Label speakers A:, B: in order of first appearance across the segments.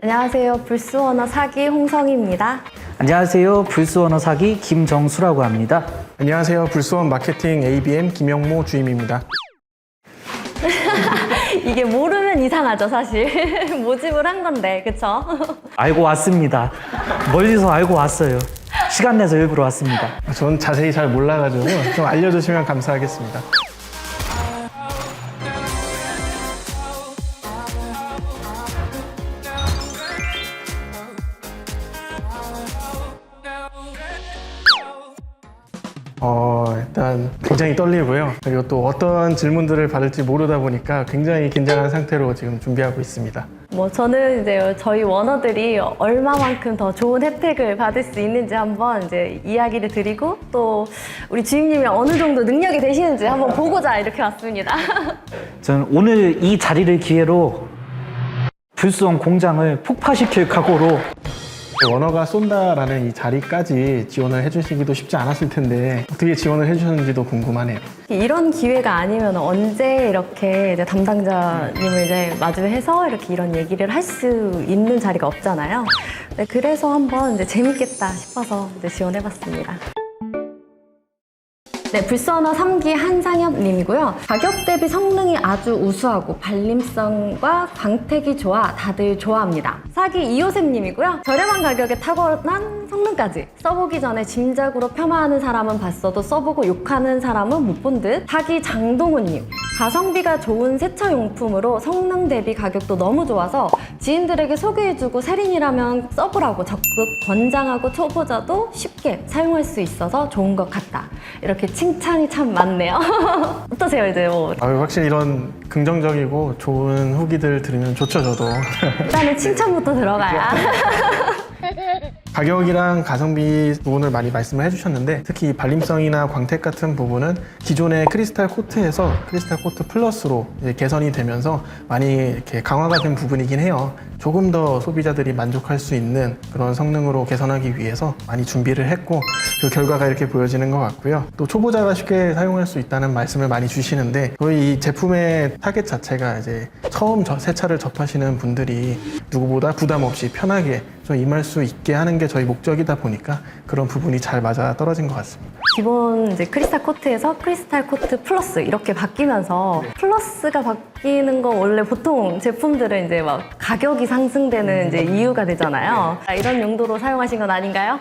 A: 안녕하세요. 불스워너 사기 홍성희입니다.
B: 안녕하세요. 불스워너 사기 김정수라고 합니다.
C: 안녕하세요. 불스원 마케팅 ABM 김영모 주임입니다.
A: 이게 모르면 이상하죠, 사실. 모집을 한 건데, 그쵸?
B: 알고 왔습니다. 멀리서 알고 왔어요. 시간 내서 일부러 왔습니다.
C: 전 자세히 잘 몰라가지고 좀 알려주시면 감사하겠습니다. 일단 굉장히 떨리고요. 그리고 또 어떤 질문들을 받을지 모르다 보니까 굉장히 긴장한 상태로 지금 준비하고 있습니다.
A: 저는 이제 저희 워너들이 얼마만큼 더 좋은 혜택을 받을 수 있는지 한번 이제 이야기를 드리고 또 우리 주임님이랑 어느 정도 능력이 되시는지 한번 보고자 이렇게 왔습니다.
B: 저는 오늘 이 자리를 기회로 불스원 공장을 폭파시킬 각오로
C: 워너가 쏜다라는 이 자리까지 지원을 해주시기도 쉽지 않았을 텐데 어떻게 지원을 해주셨는지도 궁금하네요.
A: 이런 기회가 아니면 언제 이렇게 이제 담당자님을 이제 마주해서 이렇게 이런 얘기를 할 수 있는 자리가 없잖아요. 네, 그래서 한번 이제 재밌겠다 싶어서 이제 지원해봤습니다. 네, 불스워너 3기 한상엽님이고요. 가격 대비 성능이 아주 우수하고 발림성과 광택이 좋아 다들 좋아합니다. 4기 이호셉님이고요. 저렴한 가격에 탁월한 성능까지 써보기 전에 짐작으로 폄하하는 사람은 봤어도 써보고 욕하는 사람은 못 본 듯. 4기 장동훈님. 가성비가 좋은 세차용품으로 성능 대비 가격도 너무 좋아서 지인들에게 소개해주고 세린이라면 써보라고 적극 권장하고 초보자도 쉽게 사용할 수 있어서 좋은 것 같다. 이렇게 칭찬이 참 많네요. 어떠세요, 이제
C: 확실히 이런 긍정적이고 좋은 후기들 들으면 좋죠, 저도.
A: 일단은 칭찬부터 들어가야.
C: 가격이랑 가성비 부분을 많이 말씀을 해주셨는데 특히 발림성이나 광택 같은 부분은 기존의 크리스탈 코트에서 크리스탈 코트 플러스로 이제 개선이 되면서 많이 이렇게 강화가 된 부분이긴 해요. 조금 더 소비자들이 만족할 수 있는 그런 성능으로 개선하기 위해서 많이 준비를 했고 그 결과가 이렇게 보여지는 것 같고요. 또 초보자가 쉽게 사용할 수 있다는 말씀을 많이 주시는데 저희 이 제품의 타겟 자체가 이제 처음 세차를 접하시는 분들이 누구보다 부담 없이 편하게 좀 임할 수 있게 하는 게 저희 목적이다 보니까 그런 부분이 잘 맞아 떨어진 것 같습니다.
A: 기본 이제 크리스탈 코트에서 크리스탈 코트 플러스 이렇게 바뀌면서 플러스가 바뀌는 거 원래 보통 제품들은 이제 막 가격이 상승되는 이제 이유가 되잖아요. 이런 용도로 사용하신 건 아닌가요?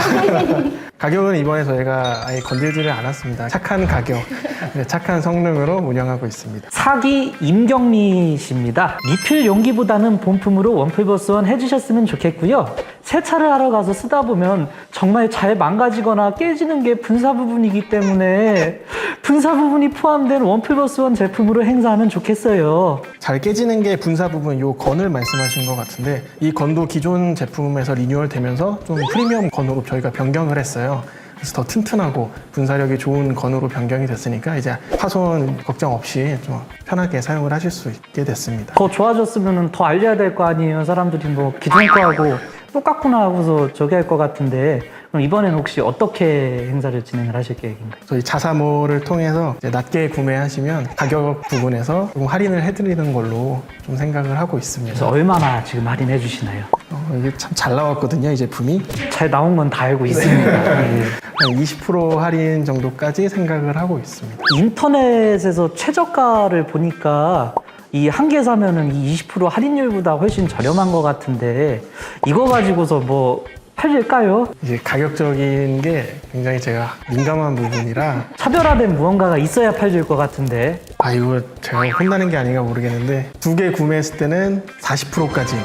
C: 가격은 이번에 저희가 아예 건들지를 않았습니다. 착한 가격, 착한 성능으로 운영하고 있습니다.
B: 사기 임경미 씨입니다. 리필 용기보다는 본품으로 원플버스원 해주셨으면 좋겠고요. 세차를 하러 가서 쓰다 보면 정말 잘 망가지거나 깨지는 게 분사 부분이기 때문에 분사 부분이 포함된 원플버스원 제품으로 행사하면 좋겠어요.
C: 잘 깨지는 게 분사 부분, 요 건을 말씀하신 것 같은데 이 건도 기존 제품에서 리뉴얼 되면서 좀 프리미엄 건으로 저희가 변경을 했어요. 그래서 더 튼튼하고 분사력이 좋은 건으로 변경이 됐으니까 이제 파손 걱정 없이 좀 편하게 사용을 하실 수 있게 됐습니다.
B: 더 좋아졌으면 더 알려야 될 거 아니에요. 사람들이 뭐 기존 거하고 똑같구나 하고서 저기 할 것 같은데 그럼 이번에는 혹시 어떻게 행사를 진행을 하실 계획인가요?
C: 저희 자사몰을 통해서 이제 낮게 구매하시면 가격 부분에서 조금 할인을 해드리는 걸로 좀 생각을 하고 있습니다.
B: 그래서 얼마나 지금 할인해 주시나요?
C: 이게 참 잘 나왔거든요, 이 제품이.
B: 잘 나온 건 다 알고 있습니다. 예.
C: 한 20% 할인 정도까지 생각을 하고 있습니다.
B: 인터넷에서 최저가를 보니까 이 한 개 사면은 이 20% 할인율보다 훨씬 저렴한 것 같은데 이거 가지고서 뭐 팔릴까요?
C: 이제 가격적인 게 굉장히 제가 민감한 부분이라
B: 차별화된 무언가가 있어야 팔릴 것 같은데
C: 이거 제가 혼나는 게 아닌가 모르겠는데 2개 구매했을 때는 40%까지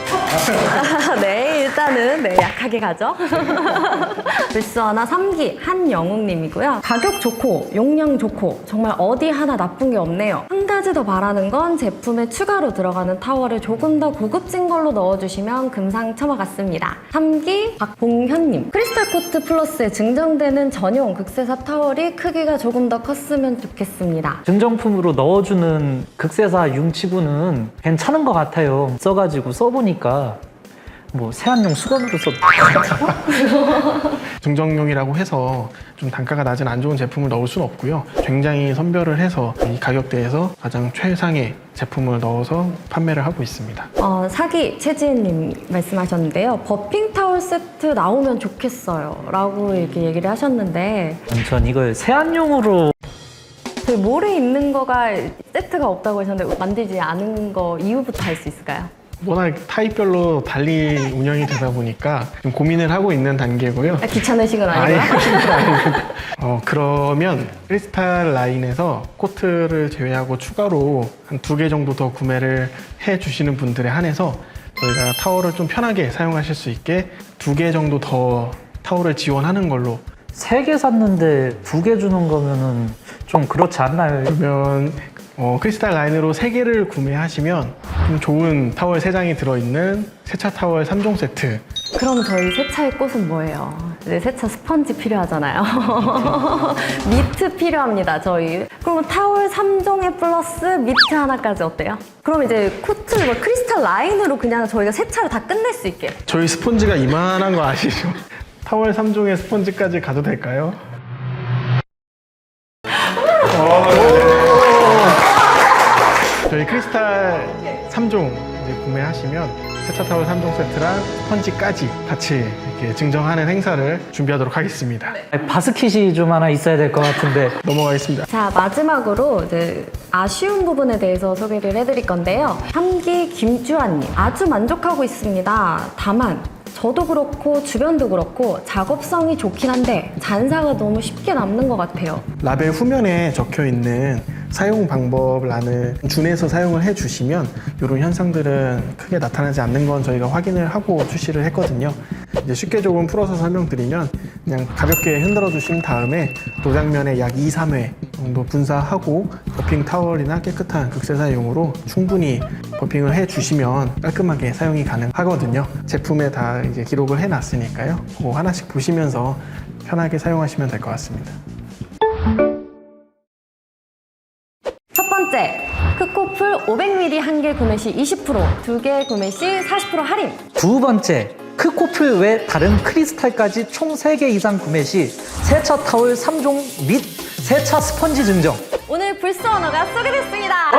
A: 네, 일단은 네, 약하게 가죠. 불스워너 3기 한영웅님이고요. 가격 좋고 용량 좋고 정말 어디 하나 나쁜 게 없네요. 한 가지 더 바라는 건 제품에 추가로 들어가는 타월을 조금 더 고급진 걸로 넣어주시면 금상첨화 같습니다. 3기 박봉현님. 크리스탈 코트 플러스에 증정되는 전용 극세사 타월이 크기가 조금 더 컸으면 좋겠습니다.
B: 증정품으로 넣어주는 극세사 융치구는 괜찮은 것 같아요. 써가지고 써보니까 뭐 세안용 수건으로 써도
C: 증정용이라고 해서 좀 단가가 낮은 안 좋은 제품을 넣을 수는 없고요. 굉장히 선별을 해서 이 가격대에서 가장 최상의 제품을 넣어서 판매를 하고 있습니다.
A: 사기 최지은님 말씀하셨는데요. 버핑 타월 세트 나오면 좋겠어요 라고 이렇게 얘기를 하셨는데
B: 전 이걸 세안용으로
A: 저희 몰에 있는 거가 세트가 없다고 하셨는데 만들지 않은 거 이유부터 알 수 있을까요?
C: 워낙 타입별로 달리 운영이 되다 보니까 좀 고민을 하고 있는 단계고요.
A: 귀찮으신 건 아니고요?
C: 그러면 크리스탈 라인에서 코트를 제외하고 추가로 한 2개 정도 더 구매를 해 주시는 분들에 한해서 저희가 타월을 좀 편하게 사용하실 수 있게 2개 정도 더 타월을 지원하는 걸로.
B: 3개 샀는데 2개 주는 거면은 좀 그렇지 않나요?
C: 그러면 크리스탈 라인으로 3개를 구매하시면 좀 좋은 타월 3장이 들어있는 세차 타월 3종 세트.
A: 그럼 저희 세차의 꽃은 뭐예요? 이제 세차 스펀지 필요하잖아요. 미트 필요합니다, 저희. 그럼 타월 3종에 플러스 미트 하나까지 어때요? 그럼 이제 코트, 크리스탈 라인으로 그냥 저희가 세차를 다 끝낼 수 있게.
C: 저희 스펀지가 이만한 거 아시죠? 타월 3종에 스펀지까지 가도 될까요? 저희 크리스탈 3종 이제 구매하시면 세차 타월 3종 세트랑 스펀지까지 같이 이렇게 증정하는 행사를 준비하도록 하겠습니다.
B: 바스킷이 좀 하나 있어야 될 것 같은데
C: 넘어가겠습니다.
A: 자, 마지막으로 이제 아쉬운 부분에 대해서 소개를 해드릴 건데요. 함기 김주환님, 아주 만족하고 있습니다. 다만 저도 그렇고 주변도 그렇고 작업성이 좋긴 한데 잔사가 너무 쉽게 남는 것 같아요.
C: 라벨 후면에 적혀 있는 사용 방법란을 준해서 사용을 해주시면 이런 현상들은 크게 나타나지 않는 건 저희가 확인을 하고 출시를 했거든요. 이제 쉽게 조금 풀어서 설명드리면 그냥 가볍게 흔들어 주신 다음에 도장면에 약 2, 3회 정도 분사하고 버핑 타월이나 깨끗한 극세사용으로 충분히 버핑을 해주시면 깔끔하게 사용이 가능하거든요. 제품에 다 이제 기록을 해놨으니까요. 그거 하나씩 보시면서 편하게 사용하시면 될 것 같습니다.
A: 첫 번째, 크코풀 500ml 한 개 구매 시 20%, 2개 구매 시 40% 할인.
B: 두 번째, 크코플 외 다른 크리스탈까지 총 3개 이상 구매 시 세차 타월 3종 및 세차 스펀지 증정.
A: 오늘 불스 언어가 소개됐습니다.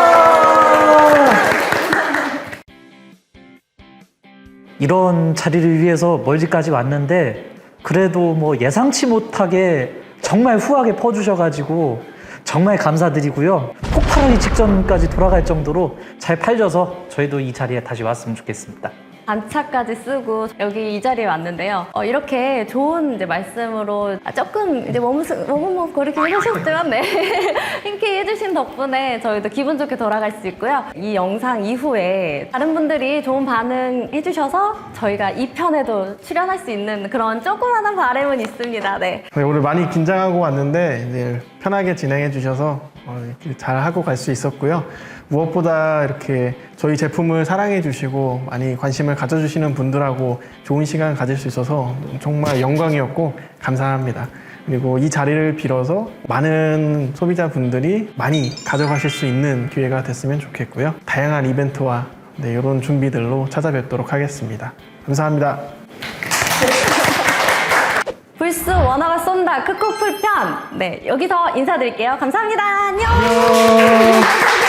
B: 이런 자리를 위해서 멀지까지 왔는데 그래도 뭐 예상치 못하게 정말 후하게 퍼주셔가지고 정말 감사드리고요. 폭발하기 직전까지 돌아갈 정도로 잘 팔려서 저희도 이 자리에 다시 왔으면 좋겠습니다.
A: 반차까지 쓰고 여기 이 자리에 왔는데요. 이렇게 좋은 이제 말씀으로 조금 이제 머뭇거리긴 하셨지만 네. 흔쾌히 해주신 덕분에 저희도 기분 좋게 돌아갈 수 있고요. 이 영상 이후에 다른 분들이 좋은 반응 해주셔서 저희가 2편에도 출연할 수 있는 그런 조그마한 바람은 있습니다. 네.
C: 네, 오늘 많이 긴장하고 왔는데 이제 편하게 진행해 주셔서 이렇게 잘 하고 갈 수 있었고요. 무엇보다 이렇게 저희 제품을 사랑해 주시고 많이 관심을 가져주시는 분들하고 좋은 시간 가질 수 있어서 정말 영광이었고 감사합니다. 그리고 이 자리를 빌어서 많은 소비자분들이 많이 가져가실 수 있는 기회가 됐으면 좋겠고요. 다양한 이벤트와 이런 준비들로 찾아뵙도록 하겠습니다. 감사합니다.
A: 불스 원어가 쏜다 크코풀 편. 네, 여기서 인사드릴게요. 감사합니다. 안녕.